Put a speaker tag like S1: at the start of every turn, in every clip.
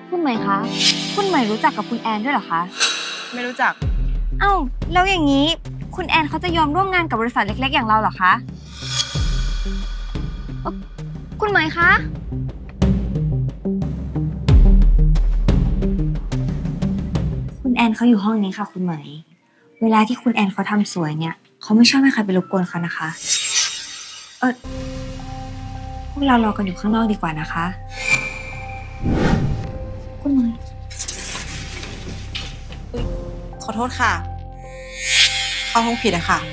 S1: คุณเหมยคะคุณเหมยรู้จักกับคุณแอนด้วยเหรอคะ
S2: ไม่รู้จัก
S1: เอ้าแล้วอย่างนี้คุณแอนเขาจะยอมร่วมงานกับบริษัทเล็กๆอย่างเราเหรอคะเอ่อคุณเหมยคะคุณแอนเขาอยู่ห้องนี้ค่ะคุณเหมยเวลาที่คุณแอนเขาทำสวยเนี่ยเขาไม่ชอบให้ใครไปรบกวนเขานะคะเออพวกเรารอกันอยู่ข้างนอกดีกว่านะคะคุณเหมย
S2: ขอโทษค่ะเข้าห้องผิดอะค่ะ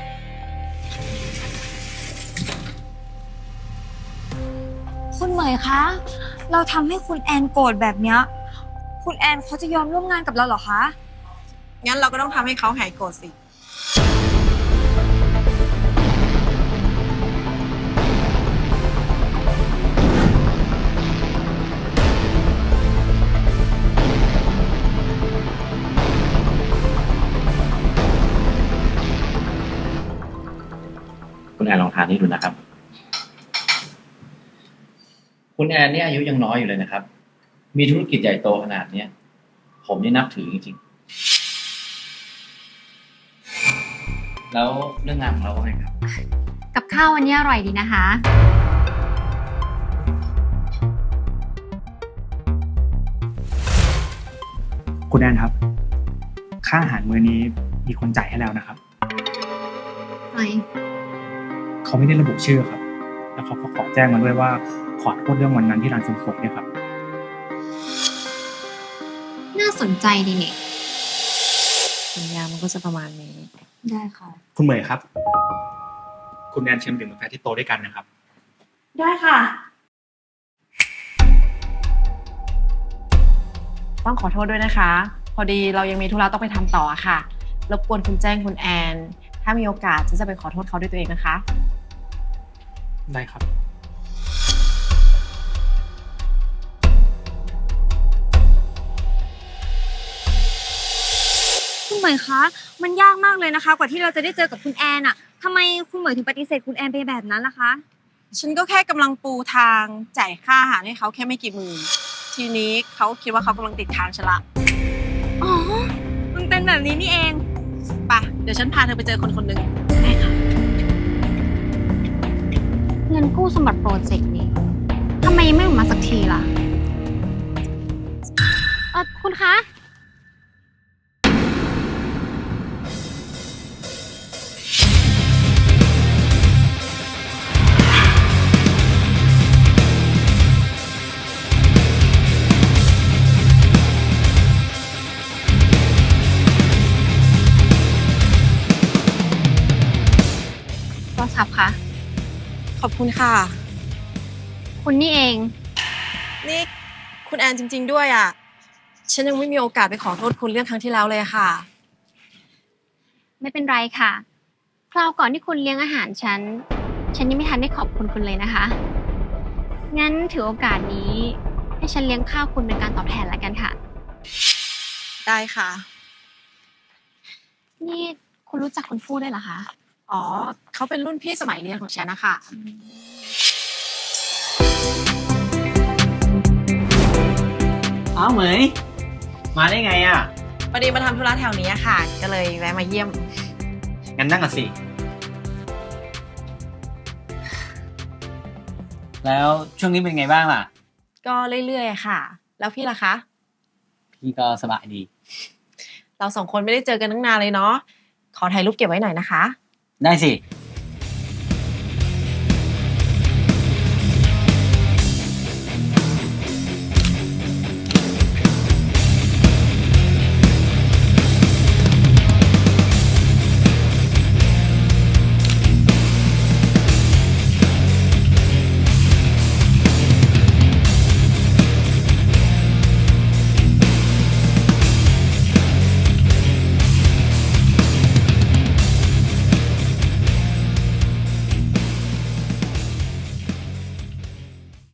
S1: คุณเหมยคะเราทำให้คุณแอนโกรธแบบเนี้ยคุณแอนเขาจะยอมร่วมงานกับเราเหรอคะ
S2: งั้นเราก็ต้องทำให้เขาหายโกรธสิ
S3: คุณแอนลองทานนี่ดูนะครับ คุณแอนนี่อายุยังน้อยอยู่เลยนะครับ มีธุรกิจใหญ่โตขนาดเนี้ยผมนี่นับถือจริงๆ แล้วเรื่องงานของเราว่าไงครับ
S4: กับข้าววันนี้อร่อยดีนะคะ
S5: คุณแอนครับ ค่าอาหารมื้อนี้มีคนจ่ายให้แล้วนะครับ
S4: หน่อย
S5: เขาไม่ได้ระบุชื่อครับ แล้วเขาก็ขอแจ้งมาด้วยว่าขอโทษเรื่องวันนั้นที่ร้านเสริมสวยด้วยครับ
S4: น่าสนใจดีนี่
S2: สัญญามันก็จะประมาณนี้
S1: ได้ค่ะ
S5: คุณเหมยครับ คุณแอนเชิญดื่มกาแฟที่โต๊ะด้วยกันนะครับ
S1: ได้ค่ะ
S2: ต้องขอโทษด้วยนะคะ พอดีเรายังมีธุระต้องไปทำต่อค่ะ รบกวนคุณแจ้งคุณแอน ถ้ามีโอกาสจะไปขอโทษเขาด้วยตัวเองนะคะ
S5: ได้ครับ
S1: คุณเหมยคะ มันยากมากเลยนะคะ กว่าที่เราจะได้เจอกับคุณแอนอะทำไมคุณเหมยถึงปฏิเสธคุณแอนไปแบบนั้นล่ะคะ
S2: ฉันก็แค่กำลังปูทางจ่ายค่าอาหารให้เขาแค่ไม่กี่หมื่น ทีนี้เขาคิดว่าเขากำลังติดทางฉันละ
S1: อ๋อ มันเป็นแบบนี้นี่เอง
S2: ไปเดี๋ยวฉันพาเธอไปเจอคนคนหนึ่ง
S1: ได้ค่ะ
S4: เงินกู้สมบัติโปรเจกต์นี้ทำไมยังไม่ออกมาสักทีล่ะ คุณคะ โทรศัพท์คะ
S2: ขอบคุณค่ะ
S4: คุณนี่เอง
S2: นี่คุณแอนจริง ๆ ด้วยอ่ะ ฉันยังไม่มีโอกาสไปขอโทษคุณเรื่องครั้งที่แล้วเลยอะค่ะ
S4: ไม่เป็นไรค่ะ คราวก่อนที่คุณเลี้ยงอาหารฉันยังไม่ทันได้ขอบคุณคุณเลยนะคะ งั้นถือโอกาสนี้ให้ฉันเลี้ยงข้าวคุณเป็นการตอบแทนแล้วกันค่ะ
S2: ได้ค่ะ
S4: นี่คุณรู้จักคุณฟู่ได้วยเหรอคะ
S2: อ๋อ เขาเป็นรุ่นพี่สมัยเรียนของฉันนะคะ
S6: อ้าวเหมยมาได้ไงอ่ะ
S2: พอดีมาทำธุระแถวนี้ค่ะ ก็เลยแวะมาเยี่ยม
S6: งั้นนั่งกันสิ แล้วช่วงนี้เป็นไงบ้างล่ะ
S2: ก็เรื่อยๆค่ะ แล้วพี่ล่ะคะ
S6: พี่ก็สบายดี
S2: เราสองคนไม่ได้เจอกันตั้งนานเลยเนาะ ขอถ่ายรูปเก็บไว้หน่อยนะคะ
S6: ได้สิ